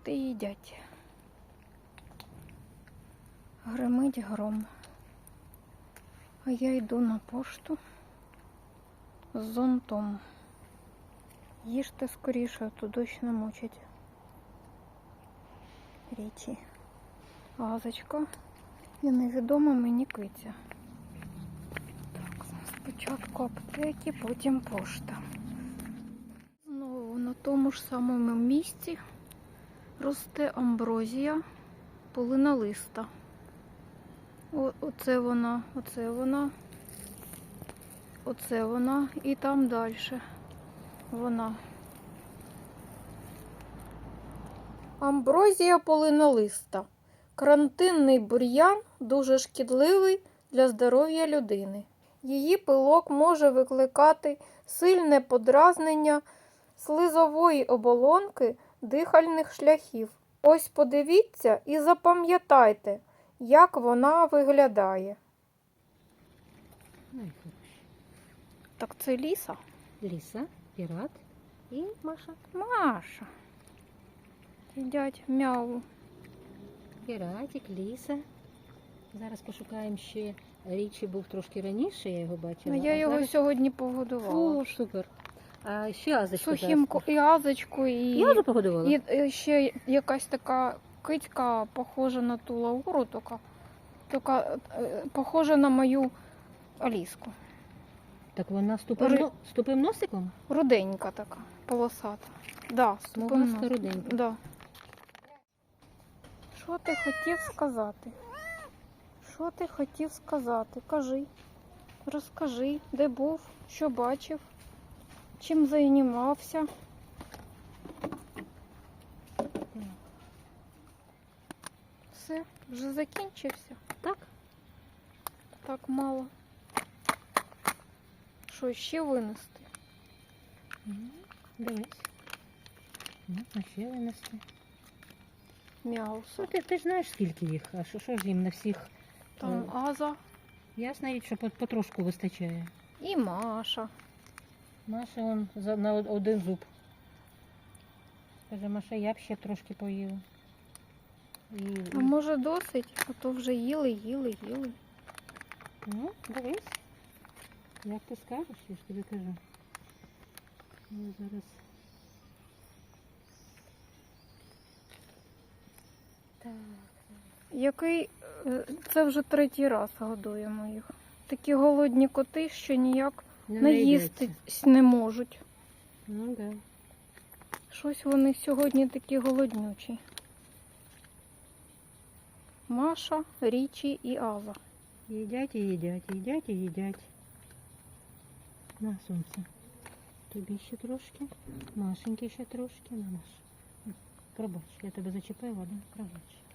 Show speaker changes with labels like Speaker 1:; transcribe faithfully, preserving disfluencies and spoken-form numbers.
Speaker 1: От і їдять. Гримить гром. А я йду на пошту з зонтом. Їжте скоріше, а то дощ намочить. Річі. Газочка і невідома мені киця. Так, спочатку аптеки, потім пошта. Знову на тому ж самому місці росте амброзія полинолиста. О, оце вона, оце вона, оце вона і там далі вона. Амброзія полинолиста. Карантинний бур'ян дуже шкідливий для здоров'я людини. Її пилок може викликати сильне подразнення слизової оболонки дихальних шляхів. Ось подивіться і запам'ятайте, як вона виглядає.
Speaker 2: Ай, хороші.
Speaker 1: Так це Ліса?
Speaker 2: Ліса, пірат і Маша.
Speaker 1: Маша. Їдять м'яву.
Speaker 2: Піратик, Ліса. Зараз пошукаємо ще. Річі був трошки раніше, я його бачила.
Speaker 1: Ну, я
Speaker 2: а
Speaker 1: його
Speaker 2: зараз...
Speaker 1: сьогодні погодувала.
Speaker 2: О, супер. А ще азочку
Speaker 1: Сухим
Speaker 2: зараз.
Speaker 1: і азочку, і,
Speaker 2: І азу погодувала?
Speaker 1: і, і ще якась така кицька, похожа на ту Лауру, тільки, тільки е, похожа на мою Аліску.
Speaker 2: Так вона з тупим,
Speaker 1: Ри-
Speaker 2: но... з тупим носиком?
Speaker 1: Руденька така, полосата. Да, з тупим
Speaker 2: Смугаста
Speaker 1: носом.
Speaker 2: руденька.
Speaker 1: Да. Що ти хотів сказати? Що ти хотів сказати? Кажи. Розкажи, де був, що бачив, чим займався. Все, вже закінчився.
Speaker 2: Так.
Speaker 1: Так мало. Що ще винести?
Speaker 2: М, Дивись. Можна ще винести.
Speaker 1: М'яусо.
Speaker 2: Ну, ти, ти ж знаєш, скільки їх, а що, що ж їм на всіх?
Speaker 1: Там
Speaker 2: Е,
Speaker 1: Аза
Speaker 2: Ясна річ, що по- потрошку вистачає.
Speaker 1: і Маша.
Speaker 2: Маша он за, на од- один зуб. Каже, Маша, я б ще трошки поїла. І,
Speaker 1: А може досить? А то вже їли, їли, їли.
Speaker 2: ну, дивись. Як ти скажеш, я ж тобі кажу. Я зараз. Так.
Speaker 1: Який, е, це вже третій раз годуємо їх. Такі голодні коти, що ніяк
Speaker 2: Не
Speaker 1: наїсти
Speaker 2: наїдеться.
Speaker 1: не можуть.
Speaker 2: Ну, да.
Speaker 1: Щось вони сьогодні такі голоднючі. Маша, Річі і Аза.
Speaker 2: Їдять і їдять, їдять і їдять. На, сонце. Тобі ще трошки. Машеньки ще трошки. На, Маш. Пробач, я тебе зачепила, да? Пробач.